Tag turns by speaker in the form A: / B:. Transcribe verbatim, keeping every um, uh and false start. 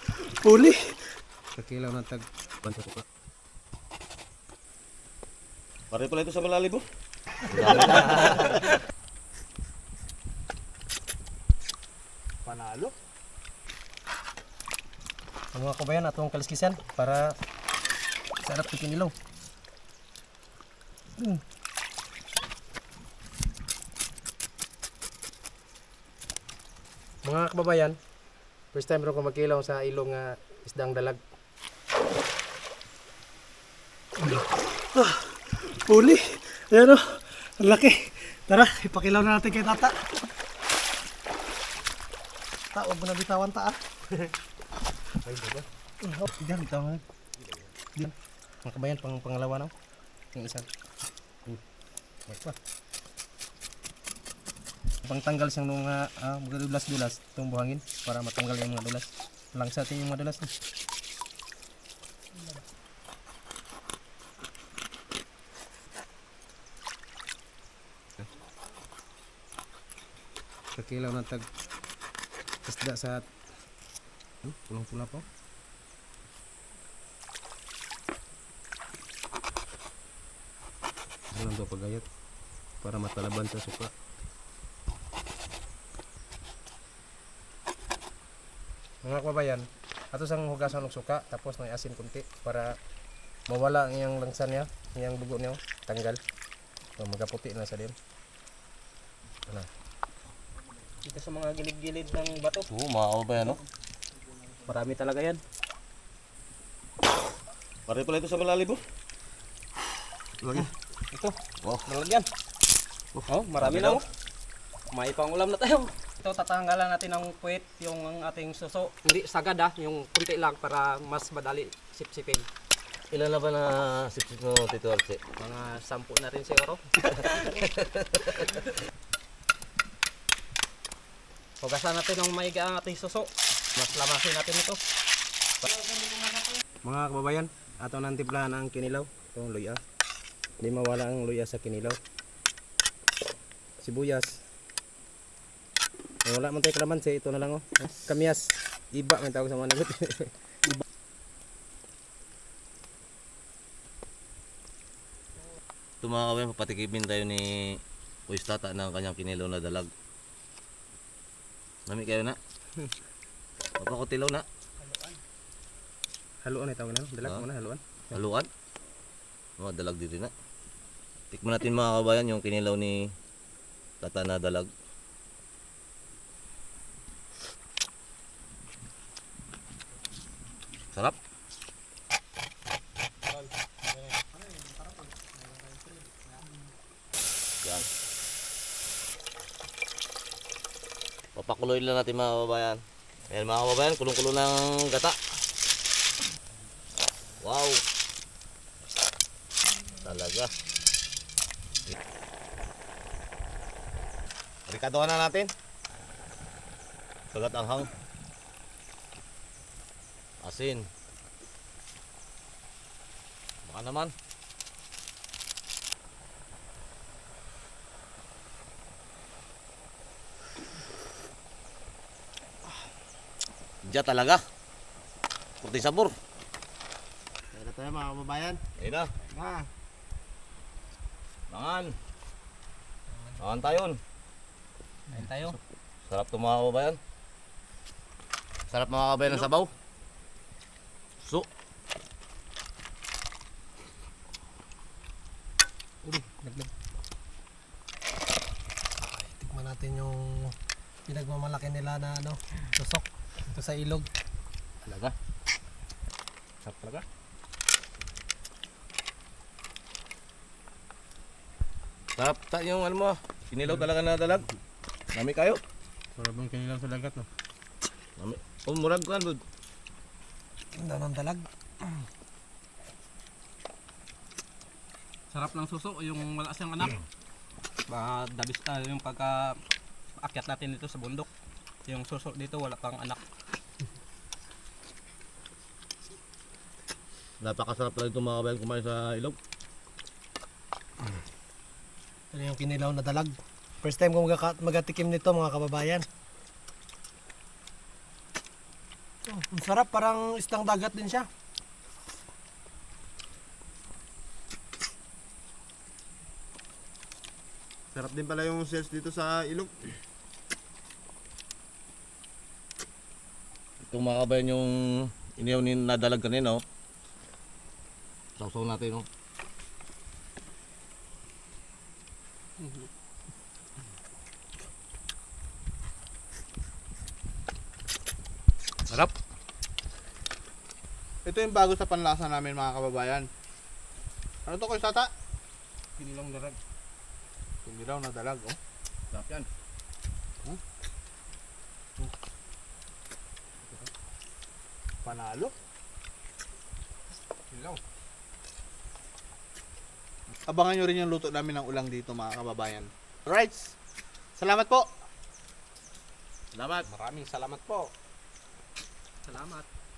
A: Huli.
B: Kakilaw ng tag bansa ko.
C: Pare pala ito sa malalim mo.
A: Panalo.
B: Ang mga kabayan atong kaliskisan para sarap sa kinilaw. Hmm. Mga kababayan, first time rin ko magkilaw sa ilong nga isdang dalag.
A: Huli. Ayan o. Ang laki. Tara, ipakilaw na natin kay tata. Ta, huwag mo na bitawan ta ah.
B: Ay, diba? Oh, diyan, bitawan. Diyan. Mga kabayan, pang pangalawa na. Yung isa. Hmm. Wait pa. Pangtanggal siyang nung uh, uh, dulas-dulas itong buhangin para matanggal yung mga dulas. Lang sa atin yung mga dulas. Eh. Kakilaw ng tag isda sa hmm, pulang-pula po. Alam daw pagayat para matalaban sa suka. Mga kababayan, ato sang hugasan ng suka tapos may asin kunti para mawala ang iyang langsa niya, iyang dugo niya, tanggal. So, magaputi na sa din. Ano? Dito sa mga gilid-gilid ng bato.
C: Oo, mga kabayan, no?
B: Marami talaga yan.
C: Pare pala ito sa malalim mo.
B: Lagi. Ito.
C: Wow.
B: Nalagyan. Oh, marami na oh. May pangulam na tayo. Ito tatanggalan natin ng puwit, yung ang ating suso. Hindi sagad ah, yung kunti lang para mas madali sipsipin.
C: Ilan na ba na sipsip mo, Tito Arce?
B: Mga sampu na rin siguro. Hugasan natin ng maiga ang ating suso. Mas lamasin natin ito. Mga kababayan, ato nang timplahan ang kinilaw. Itong luya. Hindi mawala ang luya sa kinilaw. Sibuyas. Eh, wala man tayo kalamansi, ito na lang oh. Kamyas. Iba may tawag sa mga nagot.
C: Ito mga kabayan, papatikipin tayo ni Kuis Tata ng kanyang kinilaw na dalag. Nami kayo na? Papakutilaw na?
B: Haluan ay tawag na. Dalag
C: Ah.
B: mo na, haluan.
C: Haluan? Mga dalag dito na. Tikman natin mga kabayan yung kinilaw ni Tata na dalag. Sarap. Yan. Papakuloy lang natin mga kababayan. Ayan mga kababayan, kulong-kulo ng gata. Wow. Talaga. Rikadohan na natin. Sagat anghang. Asin. Baka naman. Diya talaga. Puti sabor.
A: Kaya na tayo mga kababayan.
C: Ayun na.
A: Ah.
C: Mangan. Mangan tayon.
B: Ayun tayo.
C: Sarap to mga kababayan. Sarap mga kababayan ng sabaw. So.
B: Uri, naglag.
A: Ay, tikman natin yung pinagmamalaki nila na ano, tusok. Ito sa ilog.
C: Talaga.
B: Sarap talaga.
C: Sarap ta yung ano mo. Kinilaw talaga na dalag. Nami kayo.
B: Sarap ang kinilaw sa dagat no.
C: Nami. Oh, murag ko bud.
A: Ang daw ng dalag.
B: Sarap ng suso, yung wala siyang anak. Ba, dabis na yung pagka akyat natin dito sa bundok. Yung suso dito wala pang anak.
C: Napakasarap lang itong mga kabayan kumain sa ilog.
A: Ito yung kinilaw na dalag. First time ko magaka- magatikim nito mga kababayan. Oh, ang Sarap, parang isdang dagat din siya.
D: Sarap din pala yung sales dito sa ilog.
C: Itong mga kabayan yung iniyaw ni nadalag kanina, oh. Sausaw natin, oh. Sarap.
D: Ito yung bago sa panlasa namin mga kababayan. Ano to, Kuya Tata?
B: Kinilang darag.
D: Hindi daw nadalag, oh.
B: Sarap yan.
D: Panalo.
B: Kinilaw.
D: Abangan nyo rin yung luto namin ng ulang dito mga kababayan. Alright. Salamat po.
B: Salamat. Maraming salamat po. Salamat.